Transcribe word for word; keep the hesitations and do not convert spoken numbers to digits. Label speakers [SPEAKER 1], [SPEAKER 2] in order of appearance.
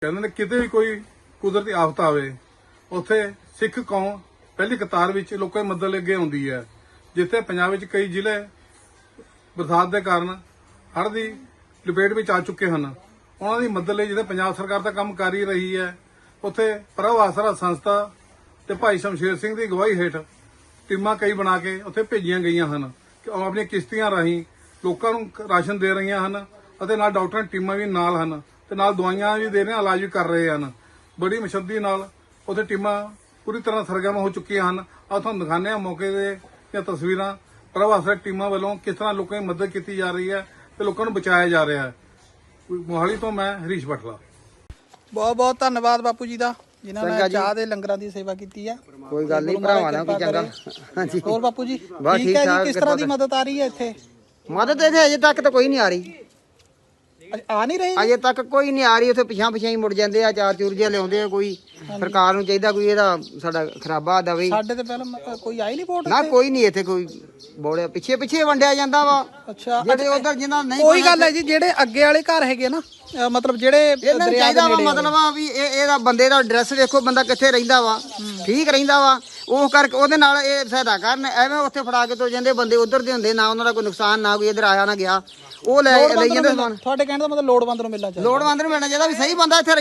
[SPEAKER 1] ਕਹਿੰਦੇ ਨੇ ਕਿਤੇ ਵੀ ਕੋਈ ਕੁਦਰਤੀ ਆਫਤ ਆਵੇ ਉੱਥੇ ਸਿੱਖ ਕੌਮ ਪਹਿਲੀ ਕਤਾਰ ਵਿੱਚ ਲੋਕਾਂ ਦੀ ਮਦਦ ਲਈ ਅੱਗੇ ਆਉਂਦੀ ਹੈ। ਜਿੱਥੇ ਪੰਜਾਬ ਵਿੱਚ ਕਈ ਜ਼ਿਲ੍ਹੇ ਬਰਸਾਤ ਦੇ ਕਾਰਨ ਹੜ੍ਹ ਦੀ ਲਪੇਟ ਵਿੱਚ ਆ ਚੁੱਕੇ ਹਨ, ਉਹਨਾਂ ਦੀ ਮਦਦ ਲਈ ਜਿਹੜੇ ਪੰਜਾਬ ਸਰਕਾਰ ਦਾ ਕੰਮ ਕਰ ਹੀ ਰਹੀ ਹੈ, ਉੱਥੇ ਪ੍ਰਭ ਆਸਰਾ ਸੰਸਥਾ ਤੇ ਭਾਈ ਸ਼ਮਸ਼ੇਰ ਸਿੰਘ ਦੀ ਅਗਵਾਈ ਹੇਠ ਟੀਮਾਂ ਕਈ ਬਣਾ ਕੇ ਉੱਥੇ ਭੇਜੀਆਂ ਗਈਆਂ ਹਨ ਕਿ ਉਹ ਆਪਣੀਆਂ ਕਿਸ਼ਤੀਆਂ ਰਾਹੀਂ ਲੋਕਾਂ ਨੂੰ ਰਾਸ਼ਨ ਦੇ ਰਹੀਆਂ ਹਨ ਅਤੇ ਨਾਲ ਡਾਕਟਰਾਂ ਦੀਆਂ ਟੀਮਾਂ ਵੀ ਨਾਲ ਹਨ ਤੇ ਨਾਲ ਦਵਾਈਆਂ ਵੀ ਦੇ ਰਹੇ ਹਨ, ਇਲਾਜ ਵੀ ਕਰ ਰਹੇ ਹਨ। ਬੜੀ ਮੁਸ਼ੱਦਤ ਨਾਲ ਉੱਥੇ ਟੀਮਾਂ ਪੂਰੀ ਤਰ੍ਹਾਂ ਸਰਗਰਮ ਹੋ ਚੁੱਕੀਆਂ ਹਨ। ਆ ਤੁਹਾਨੂੰ ਦਿਖਾਉਂਦੇ ਹਾਂ ਮੌਕੇ ਦੇ ਦੀਆਂ ਤਸਵੀਰਾਂ। ਪ੍ਰਭ ਆਸਰਾ ਟੀਮਾਂ ਵੱਲੋਂ ਕਿਸ ਤਰ੍ਹਾਂ ਲੋਕਾਂ ਦੀ ਮਦਦ ਕੀਤੀ ਜਾ ਰਹੀ ਹੈ ਤੇ ਲੋਕਾਂ ਨੂੰ ਬਚਾਇਆ ਜਾ ਰਿਹਾ ਹੈ। ਮੋਹਾਲੀ ਤੋਂ ਮੈਂ ਹਰੀਸ਼ ਬਟਲਾ।
[SPEAKER 2] ਬਹੁਤ ਬਹੁਤ ਧੰਨਵਾਦ ਬਾਪੂ ਜੀ ਦਾ, ਜਿਨ੍ਹਾਂ ਨੇ ਚਾਹ ਦੇ ਲੰਗਰਾਂ ਦੀ ਸੇਵਾ ਕੀਤੀ ਆ।
[SPEAKER 3] ਕੋਈ ਗੱਲ ਨਹੀਂ ਭਰਾਵਾਂ ਦਾ ਕੋਈ ਚੰਗਾ। ਹਾਂਜੀ
[SPEAKER 2] ਹੋਰ ਬਾਪੂ ਜੀ ਠੀਕ ਹੈ ਜੀ, ਕਿਸ ਤਰ੍ਹਾਂ ਦੀ ਮਦਦ ਆ ਰਹੀ ਹੈ ਇੱਥੇ?
[SPEAKER 3] ਮਦਦ ਇੱਥੇ ਅਜੇ ਤੱਕ ਤਾਂ ਕੋਈ ਨਹੀਂ ਆ ਰਹੀ,
[SPEAKER 2] ਆ ਨਹੀਂ ਰਹੀ
[SPEAKER 3] ਅਜੇ ਤੱਕ ਕੋਈ ਨਹੀਂ ਆ ਰਹੀ। ਉੱਥੇ ਪਿਛਾਂ ਪਿਛਾਂ ਹੀ ਮੁੜ ਜਾਂਦੇ ਆ, ਚਾਰ ਚੂਰ ਜਿਹਾ ਲਿਆਉਂਦੇ ਆ। ਕੋਈ ਸਰਕਾਰ ਨੂੰ ਚਾਹੀਦਾ ਕੋਈ ਇਹਦਾ ਸਾਡਾ ਖਰਾਬਾ ਦਵੇ।
[SPEAKER 2] ਸਾਡੇ ਤੇ ਪਹਿਲਾਂ ਕੋਈ ਆਈ ਨਹੀਂ ਵੋਟ
[SPEAKER 3] ਨਾ ਕੋਈ ਨਹੀਂ ਇੱਥੇ ਕੋਈ ਬੋੜਿਆ, ਪਿੱਛੇ ਪਿੱਛੇ ਵੰਡਿਆ ਜਾਂਦਾ ਵਾ।
[SPEAKER 2] ਅੱਛਾ,
[SPEAKER 3] ਜਿਹੜੇ ਉਧਰ ਜਿਨ੍ਹਾਂ ਨਹੀਂ
[SPEAKER 2] ਕੋਈ ਗੱਲ ਹੈ ਜੀ, ਜਿਹੜੇ ਅੱਗੇ ਵਾਲੇ ਘਰ ਹੈਗੇ ਨਾ, ਮਤਲਬ ਜਿਹੜੇ
[SPEAKER 3] ਇਹਨਾਂ ਨੂੰ ਚਾਹੀਦਾ ਵਾ, ਮਤਲਬ ਆ ਵੀ ਇਹ ਇਹਦਾ ਬੰਦੇ ਦਾ ਐਡਰੈਸ ਵੇਖੋ, ਬੰਦਾ ਕਿੱਥੇ ਰਹਿੰਦਾ ਵਾ, ਠੀਕ ਰਹਿੰਦਾ ਵਾ, ਉਹ ਕਰਕੇ ਉਹਦੇ ਨਾਲ ਇਹ ਸਹਾਇਤਾ ਕਰਨ। ਐਵੇਂ ਉੱਥੇ ਫੜਾ ਕੇ ਤੋ ਜਾਂਦੇ ਬੰਦੇ ਉਧਰ ਦੇ ਹੁੰਦੇ, ਨਾ ਉਹਨਾਂ ਦਾ ਕੋਈ ਨੁਕਸਾਨ, ਨਾ ਕੋਈ ਇੱਧਰ ਆਇਆ ਨਾ ਗਿਆ, ਉਹ ਲੈ ਲਈ ਜਾਂਦੇ ਸਮਾਨ।
[SPEAKER 2] ਤੁਹਾਡੇ ਕਹਿਣ ਦਾ ਮਤਲਬ ਲੋੜਵੰਦ ਨੂੰ ਮਿਲਣਾ ਚਾਹੀਦਾ,
[SPEAKER 3] ਲੋੜਵੰਦ ਨੂੰ ਮਿਲਣਾ ਚਾਹੀਦਾ ਵੀ ਸਹੀ ਬੰਦਾ ਇੱਥੇ